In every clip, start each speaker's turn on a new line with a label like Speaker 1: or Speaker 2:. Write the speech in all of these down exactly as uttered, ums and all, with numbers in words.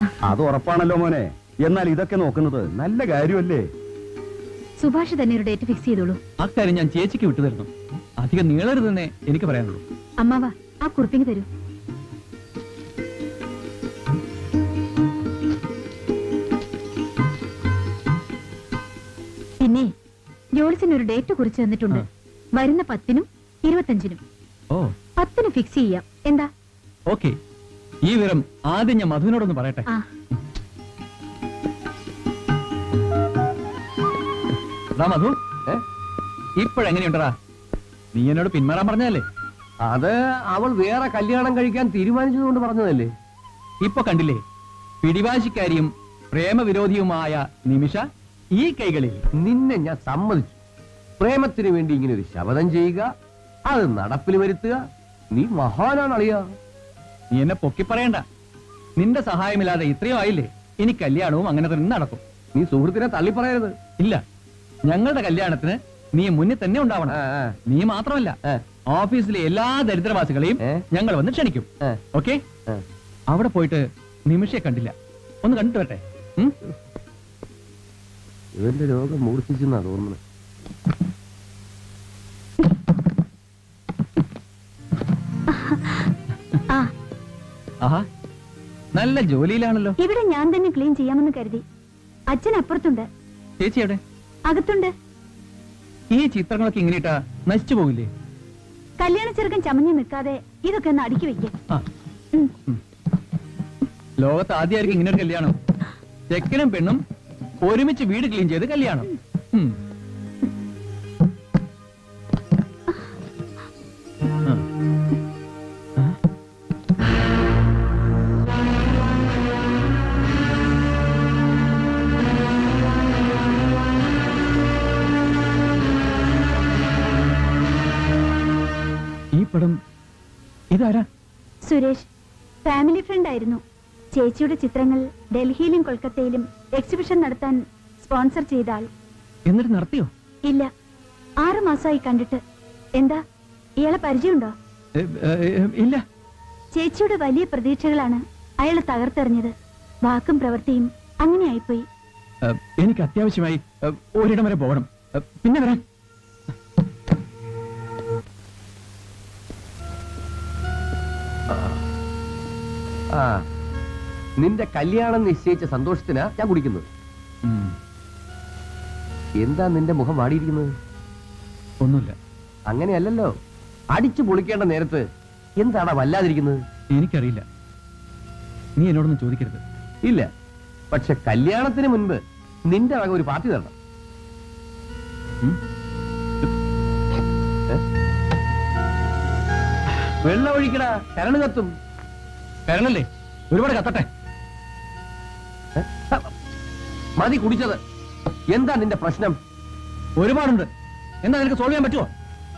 Speaker 1: അത് ഉറപ്പാണല്ലോ മോനെ. എന്നാൽ ഇതൊക്കെ നോക്കുന്നത് നല്ല കാര്യമല്ലേ?
Speaker 2: സുഭാഷ് തന്നെ ഒരു ഡേറ്റ് ഫിക്സ് ചെയ്തോളൂ.
Speaker 3: അക്കാര്യം ഞാൻ ചേച്ചിക്ക് വിട്ടു തരുന്നു. അധികം നീളരുതെന്നേ എനിക്ക് പറയാനുള്ളൂ.
Speaker 2: അമ്മാവ ആ കുറിപ്പിങ് തരൂ. പിന്നെ ജോൾസിന് ഒരു ഡേറ്റ് കുറിച്ച് തന്നിട്ടുണ്ട്. വരുന്ന പത്തിനും ഇരുപത്തഞ്ചിനും.
Speaker 3: ഓ,
Speaker 2: പത്തിന് ഫിക്സ് ചെയ്യാം. എന്താ?
Speaker 3: ഓക്കെ. ഈ വിവരം ആദ്യം ഞാൻ മധുവിനോടൊന്ന് പറയട്ടെ.
Speaker 2: ആ
Speaker 3: മധു, ഇപ്പോഴെങ്ങനെയുണ്ടടാ? നീ എന്നോട് പിന്മാറാൻ പറഞ്ഞതല്ലേ?
Speaker 1: അത് അവൾ വേറെ കല്യാണം കഴിക്കാൻ തീരുമാനിച്ചതുകൊണ്ട് പറഞ്ഞതല്ലേ?
Speaker 3: ഇപ്പൊ കണ്ടില്ലേ, പിടിവാശിക്കാരിയും പ്രേമവിരോധിയുമായ നിമിഷ ഈ കൈകളിൽ.
Speaker 1: നിന്നെ ഞാൻ സമ്മതിച്ചു. പ്രേമത്തിന് വേണ്ടി ഇങ്ങനെ ഒരു ശപഥം ചെയ്യുക, അത് നടപ്പിൽ വരുത്തുക. നീ മഹാനാണ് അളിയ.
Speaker 3: നീ എന്നെ പൊക്കി പറയണ്ട. നിന്റെ സഹായമില്ലാതെ ഇത്രയും ആയില്ലേ? ഇനി കല്യാണവും അങ്ങനെ തന്നെ നടക്കും.
Speaker 1: നീ സുഹൃത്തിനെ തള്ളി പറയരുത്.
Speaker 3: ഇല്ല, ഞങ്ങളുടെ കല്യാണത്തിന് നീ മുന്നിൽ തന്നെ ഉണ്ടാവണം. നീ മാത്രമല്ല, ഓഫീസിലെ എല്ലാ ദരിദ്രവാസികളെയും ഞങ്ങൾ വന്ന് ക്ഷണിക്കും. ഓക്കെ? അവിടെ പോയിട്ട് നിമിഷയെ കണ്ടില്ല, ഒന്ന് കണ്ടിട്ട് വരട്ടെ.
Speaker 1: ഇവന്റെ രോഗം മൂർച്ഛിച്ചെന്നാ തോന്നുന്നത്.
Speaker 3: ആഹാ, നല്ല ജോലിയിലാണല്ലോ.
Speaker 2: ഇവിടെ ഞാൻ തന്നെ ക്ലീൻ ചെയ്യാമെന്ന് കരുതി. അച്ഛൻ അപ്പുറത്തുണ്ട്.
Speaker 3: ചേച്ചി എവിടെ?
Speaker 2: അകത്തുണ്ട്.
Speaker 3: ഈ ചിത്രങ്ങളൊക്കെ ഇങ്ങനെയിട്ടാ നശിച്ചു പോകില്ലേ?
Speaker 2: കല്യാണ ചെറുക്കൻ ചമഞ്ഞു നിൽക്കാതെ ഇതൊക്കെ ഒന്ന് അടുക്കി വെക്കാം.
Speaker 3: ലോകത്ത് ആദ്യമായിരിക്കും ഇങ്ങനെ ഒരു കല്യാണം. ചെക്കനും പെണ്ണും ഒരുമിച്ച് വീട് ക്ലീൻ ചെയ്ത് കല്യാണം. ഈ പടം ഇതാരാ?
Speaker 2: സുരേഷ്, ഫാമിലി ഫ്രണ്ട് ആയിരുന്നു. ചേച്ചിയുടെ ചിത്രങ്ങൾ ഡൽഹിയിലും കൊൽക്കത്തയിലും എക്സിബിഷൻ നടത്താൻ സ്പോൺസർ ചെയ്ത ആൾ.
Speaker 3: എന്നിട്ട് നടത്തിയോ?
Speaker 2: ഇല്ല, ആറു മാസമായി കണ്ടിട്ട്. എന്താ, ഇയാളെ പരിചയമുണ്ടോ?
Speaker 3: ഇല്ല.
Speaker 2: ചേച്ചിയുടെ വലിയ പ്രതീക്ഷകളാണ് അയാളെ തകർത്തെറിഞ്ഞത്. വാക്കും പ്രവൃത്തിയും അങ്ങനെ ആയിപ്പോയി.
Speaker 3: എനിക്ക് അത്യാവശ്യമായി ഒരിടം വരെ പോകണം. പിന്നെ വരാം.
Speaker 1: ആ, നിന്റെ കല്യാണം നിശ്ചയിച്ച സന്തോഷത്തിനാ ഞാൻ കുടിക്കുന്നത്. എന്താ നിന്റെ മുഖം വാടിയിരിക്കുന്നത്?
Speaker 3: ഒന്നുമില്ല.
Speaker 1: അങ്ങനെയല്ലല്ലോ, അടിച്ചു പൊളിക്കേണ്ട നേരത്ത് എന്താടാ വല്ലാതിരിക്കുന്നത്?
Speaker 3: എനിക്കറിയില്ല, നീ എന്നോടൊന്നും ചോദിക്കരുത്.
Speaker 1: ഇല്ല, പക്ഷെ കല്യാണത്തിന് മുൻപ് നിന്റെ വക ഒരു പാർട്ടി തരണം. വെള്ളം ഒഴിക്കടാ, കരണ് കത്തും.
Speaker 3: കരണല്ലേ, ഒരുപാട് കത്തട്ടെ.
Speaker 1: മതി കുടിച്ചത്. എന്താ നിന്റെ പ്രശ്നം?
Speaker 3: ഒരുപാടുണ്ട്. എന്താ നിനക്ക് സോൾവ് ചെയ്യാൻ പറ്റുമോ?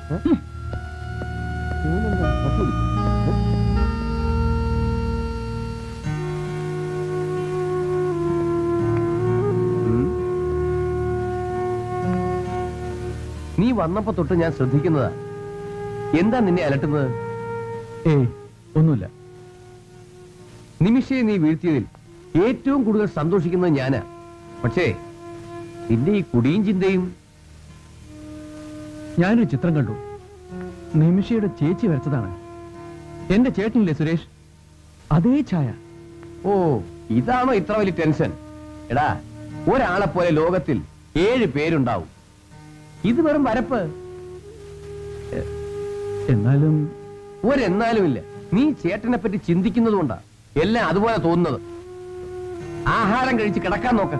Speaker 1: നീ വന്നപ്പോ തൊട്ട് ഞാൻ ശ്രദ്ധിക്കുന്നതാ. എന്താ നിന്നെ അലട്ടുന്നത്?
Speaker 3: ഏയ്, ഒന്നുമില്ല.
Speaker 1: നിമിഷയെ നീ വീഴ്ത്തിയതിൽ ഏറ്റവും കൂടുതൽ സന്തോഷിക്കുന്നത് ഞാനാ. പക്ഷേ നിന്റെ ഈ കുടിയും ചിന്തയും.
Speaker 3: ഞാനൊരു ചിത്രം കണ്ടു. നിമിഷയുടെ ചേച്ചി വരച്ചതാണ്. എന്റെ ചേട്ടനില്ലേ സുരേഷ്, അതേ ഛായ.
Speaker 1: ഓ, ഇതാണോ ഇത്ര വലിയ ടെൻഷൻ? എടാ, ഒരാളെ പോലെ ലോകത്തിൽ ഏഴ് പേരുണ്ടാവും. ഇത് വെറും വരപ്പ്.
Speaker 3: എന്നാലും
Speaker 1: ഒരെന്നാലും ഇല്ല. നീ ചേട്ടനെ പറ്റി ചിന്തിക്കുന്നത് കൊണ്ടാ എല്ലാം അതുപോലെ തോന്നുന്നത്. ആഹാരം കഴിച്ച് കിടക്കാൻ നോക്ക.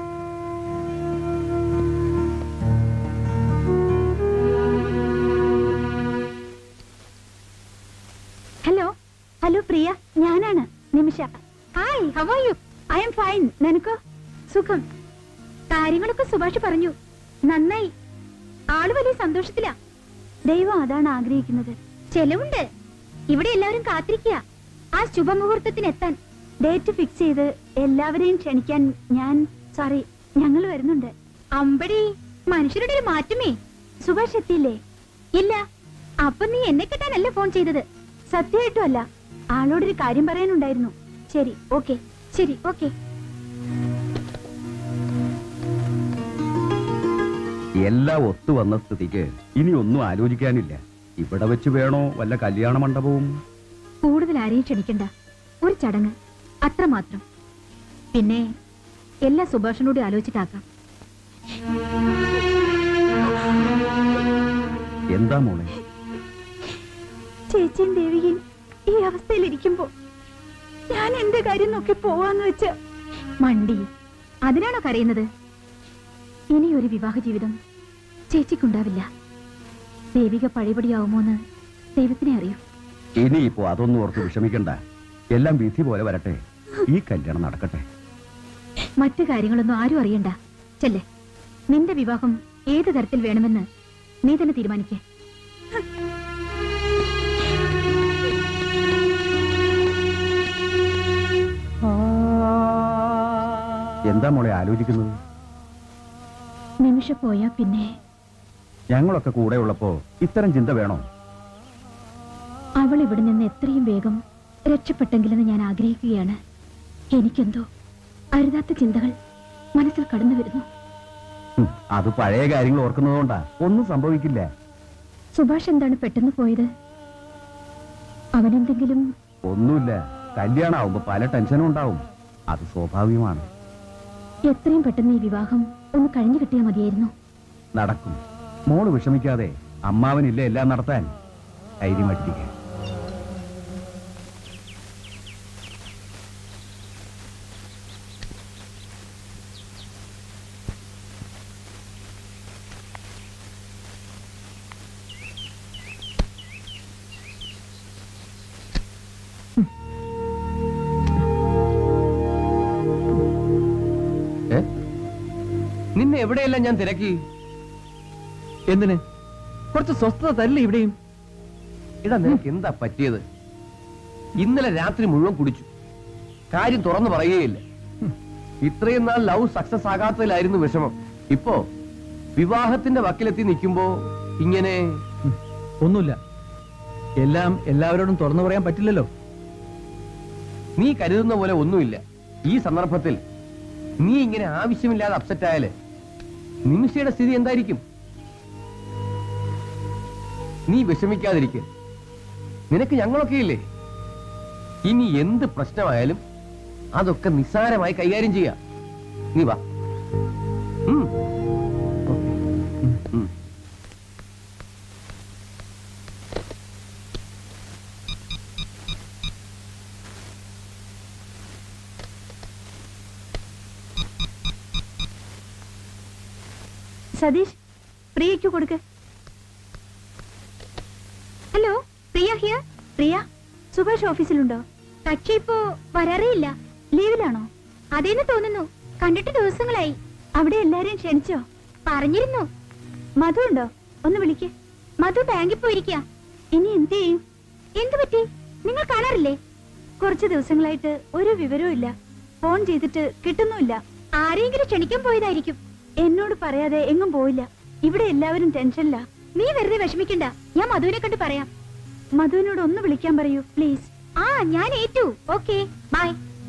Speaker 2: ഹലോ ഹലോ പ്രിയ, ഞാനാണ് Nimisha. Hi, how are you? I am fine. നിനക്കോ? സുഖം. കാര്യങ്ങളൊക്കെ സുഭാഷ് പറഞ്ഞു. നന്നായി. ആള് വലിയ സന്തോഷത്തിലാ. ദൈവം അതാണ് ആഗ്രഹിക്കുന്നത്. ചെലവുണ്ട്. ഇവിടെ എല്ലാവരും കാത്തിരിക്കുക ആ ശുഭമുഹൂർത്തത്തിന് എത്താൻ. ഡേറ്റ് ഫിക്സ് ചെയ്ത് എല്ലാവരെയും ക്ഷണിക്കാൻ ഞാൻ സോറി ഞങ്ങൾ വരുന്നുണ്ട്. അമ്പടി, മനുഷ്യരുടെ ഒരു മാറ്റമേ. സുഭാഷ് എത്തിയില്ലേ? ഇല്ല. അപ്പൊ നീ എന്നെ കിട്ടാനല്ല ഫോൺ ചെയ്തത്? സത്യമായിട്ടും അല്ല. ആളോടൊരു കാര്യം പറയാനുണ്ടായിരുന്നു. ശരി, ഓക്കെ. ശരി, ഓക്കെ.
Speaker 4: എല്ലാം ഒത്തു വന്ന സ്ഥിതിക്ക് ഇനി ഒന്നും ആലോചിക്കാനില്ല. ഇവിടെ വെച്ച് വേണോ വല്ല കല്യാണ മണ്ഡപവും?
Speaker 2: കൂടുതൽ ആരെയും ക്ഷണിക്കണ്ട, ഒരു ചടങ്ങ് അത്രമാത്രം. പിന്നെ എല്ലാ സുഭാഷനോട് ആലോചിച്ചിട്ടാക്കാം.
Speaker 4: എന്താ മോളെ?
Speaker 2: ചേച്ചിയും ദേവികയും ഈ അവസ്ഥയിലിരിക്കുമ്പോ ഞാൻ എന്റെ കാര്യം നോക്കി പോവാന്ന് വെച്ച് മണ്ടി. അതിനാണോ കരയുന്നത്? ഇനി ഒരു വിവാഹ ജീവിതം ചേച്ചിക്കുണ്ടാവില്ല. ദേവിക പഴയപടിയാവുമോന്ന് ദൈവത്തിനെ അറിയൂ.
Speaker 4: ഇനിയിപ്പോ അതൊന്നും ഓർത്ത് വിഷമിക്കണ്ട. എല്ലാം വിധി പോലെ വരട്ടെ. ഈ കല്യാണം നടക്കട്ടെ.
Speaker 2: മറ്റു കാര്യങ്ങളൊന്നും ആരും അറിയണ്ട. ചെല്ലേ, നിന്റെ വിവാഹം ഏത് തരത്തിൽ വേണമെന്ന് നീ തന്നെ തീരുമാനിക്കേ.
Speaker 4: എന്താ മോളെ ആലോചിക്കുന്നത്?
Speaker 2: നിമിഷ പോയാ പിന്നെ
Speaker 4: ഞങ്ങളൊക്കെ കൂടെ ഉള്ളപ്പോ ഇത്തരം ചിന്ത വേണോ?
Speaker 2: അവൾ ഇവിടെ നിന്ന് എത്രയും വേഗം രക്ഷപ്പെട്ടെങ്കിലെന്ന് ഞാൻ ആഗ്രഹിക്കുകയാണ്. എനിക്കെന്തോ അരുതാത്ത ചിന്തകൾ മനസ്സിൽ കടന്നു വരുന്നു.
Speaker 4: ഉം, അത് പഴയ കാര്യങ്ങൾ ഓർക്കുന്നതുകൊണ്ടാ. ഒന്നും സംഭവിക്കില്ല.
Speaker 2: സുഭാഷ് എന്താണ് പെട്ടെന്ന് പോയത്? അവനെന്തെങ്കിലും?
Speaker 4: ഒന്നുമില്ല. കല്യാണം ആവുമ്പോ പല ടെൻഷനും ഉണ്ടാവും. അത് സ്വാഭാവികമാണ്.
Speaker 2: എത്രയും പെട്ടെന്ന് ഈ വിവാഹം ഒന്ന് കഴിഞ്ഞു കിട്ടിയാൽ മതിയായിരുന്നു.
Speaker 4: നടക്കും. മോള് വിഷമിക്കാതെ. അമ്മാവനില്ല എല്ലാം നടത്താൻ. ധൈര്യമായിട്ടിരിക്കുക.
Speaker 1: നിന്നെ എവിടെയെല്ലാം ഞാൻ തിരക്കി.
Speaker 3: എന്തിന്? കുറച്ച് സ്വസ്ഥത തരില്ല ഇവിടെയും.
Speaker 1: ഇടാ, നിനക്ക് എന്താ പറ്റിയത്? ഇന്നലെ രാത്രി മുഴുവൻ കുടിച്ചു. കാര്യം തുറന്നു പറയുകയില്ല. ഇത്രയും നാൾ ലവ് സക്സസ് ആകാത്തതിലായിരുന്നു വിഷമം. ഇപ്പോ വിവാഹത്തിന്റെ വക്കിലെത്തി നിൽക്കുമ്പോ ഇങ്ങനെ.
Speaker 3: ഒന്നുമില്ല. എല്ലാം എല്ലാവരോടും തുറന്നു പറയാൻ പറ്റില്ലല്ലോ.
Speaker 1: നീ കരുതുന്ന പോലെ ഒന്നുമില്ല. ഈ സന്ദർഭത്തിൽ നീ ഇങ്ങനെ ആവശ്യമില്ലാതെ അപ്സെറ്റ് ആയാല് നിമിഷയുടെ സ്ഥിതി എന്തായിരിക്കും? നീ വിഷമിക്കാതിരിക്ക. നിനക്ക് ഞങ്ങളൊക്കെ ഇല്ലേ? ഇനി എന്ത് പ്രശ്നമായാലും അതൊക്കെ നിസ്സാരമായി കൈകാര്യം ചെയ്യാം. നീ വാ. ഉം. ഉം.
Speaker 2: സതീഷ്, പ്രിയയ്ക്ക് കൊടുക്ക്. Hello, Priya here. പ്രിയ, സുഭാഷ് ഓഫീസിലുണ്ടോ? കക്ഷി ഇപ്പോ വരാറേയില്ല. ലീവിലാണോ? അതേന്ന് തോന്നുന്നു. കണ്ടിട്ട് ദിവസങ്ങളായി. അവിടെ എല്ലാരെയും ക്ഷണിച്ചോ? പറഞ്ഞിരുന്നു. മധു ഉണ്ടോ? ഒന്ന് വിളിക്ക്. മധു ബാങ്കിൽ പോയിരിക്കുക. ഇനി എന്ത് ചെയ്യും? എന്തു പറ്റി? നിങ്ങൾ കാണാറില്ലേ? കുറച്ച് ദിവസങ്ങളായിട്ട് ഒരു വിവരവും ഇല്ല. ഫോൺ ചെയ്തിട്ട് കിട്ടുന്നുമില്ല. ആരെങ്കിലും ക്ഷണിക്കാൻ പോയതായിരിക്കും. എന്നോട് പറയാതെ എങ്ങും പോയില്ല. ഇവിടെ എല്ലാവരും ടെൻഷനില്ല. നീ വെറുതെ വിഷമിക്കണ്ട. ഞാൻ മധുവിനെ കണ്ട് പറയാം. മധുവിനോട് ഒന്ന് വിളിക്കാൻ പറയൂ പ്ലീസ്. ആ, ഞാൻ ഏറ്റു. Okay, bye.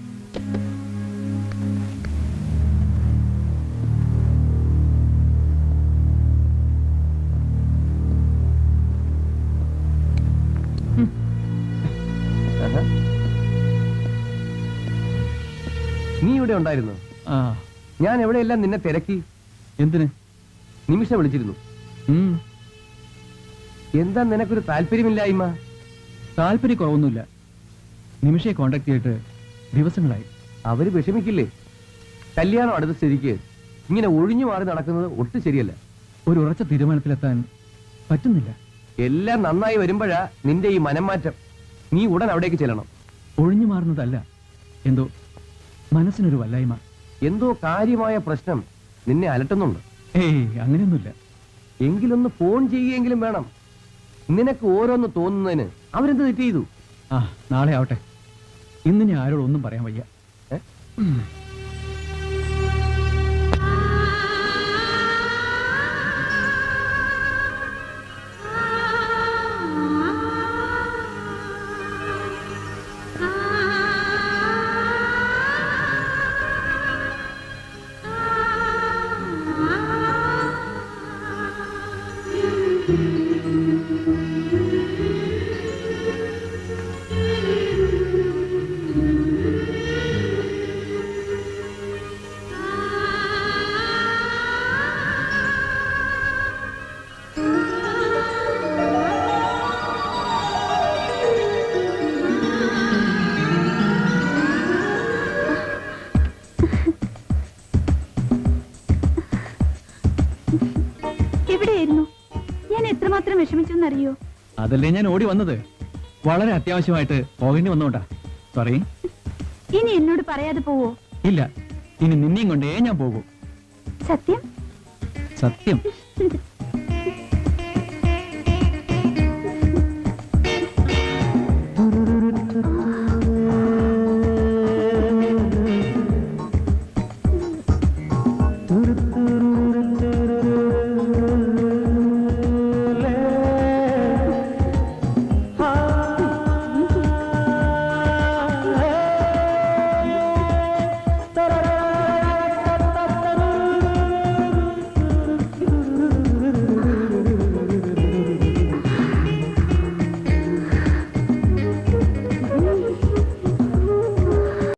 Speaker 1: നീ ഇവിടെ ഉണ്ടായിരുന്നു?
Speaker 3: ആ.
Speaker 1: ഞാൻ എവിടെയെല്ലാം നിന്നെ തിരക്കി.
Speaker 3: എന്തിന്?
Speaker 1: നിമിഷ വിളിച്ചിരുന്നു.
Speaker 3: ഉം.
Speaker 1: എന്താ നിനക്കൊരു താല്പര്യമില്ലായ്മ?
Speaker 3: താല്പര്യക്കുറവൊന്നുമില്ല. നിമിഷയെ കോണ്ടാക്ട് ചെയ്തിട്ട് ദിവസങ്ങളായി.
Speaker 1: അവര് വിഷമിക്കില്ലേ? കല്യാണം അടുത്ത സ്ഥിതിക്ക് ഇങ്ങനെ ഒഴിഞ്ഞു മാറി നടക്കുന്നത് ഒട്ടും ശരിയല്ല.
Speaker 3: ഒരു ഉറച്ച തീരുമാനത്തിലെത്താൻ പറ്റുന്നില്ല.
Speaker 1: എല്ലാം നന്നായി വരുമ്പോഴാ നിന്റെ ഈ മനംമാറ്റം. നീ ഉടൻ അവിടേക്ക് ചെല്ലണം.
Speaker 3: ഒഴിഞ്ഞു മാറുന്നതല്ല, എന്തോ മനസ്സിനൊരു വല്ലായ്മ.
Speaker 1: എന്തോ കാര്യമായ പ്രശ്നം നിന്നെ അലട്ടുന്നുണ്ട്.
Speaker 3: ഏയ്, അങ്ങനെയൊന്നുമില്ല.
Speaker 1: എങ്കിലൊന്ന് ഫോൺ ചെയ്യുകയെങ്കിലും വേണം. നിനക്ക് ഓരോന്ന് തോന്നുന്നതിന് അവരെന്ത് തെറ്റ് ചെയ്തു?
Speaker 3: ആ, നാളെ ആവട്ടെ. ഇന്ന് ഞാൻ ആരോടൊന്നും പറയാൻ വയ്യ.
Speaker 1: ഏ?
Speaker 3: ഉം.
Speaker 2: എവിടെയായിരുന്നു? ഞാൻ എത്രമാത്രം വിഷമിച്ചെന്നറിയോ?
Speaker 3: അതല്ലേ ഞാൻ ഓടി വന്നത്. വളരെ അത്യാവശ്യമായിട്ട് പോകേണ്ടി വന്നോണ്ടാ. സോറി.
Speaker 2: ഇനി എന്നോട് പറയാതെ പോവോ?
Speaker 3: ഇല്ല, ഇനി നിന്നെയും കൊണ്ടേ ഞാൻ പോകൂ.
Speaker 2: സത്യം?
Speaker 3: സത്യം.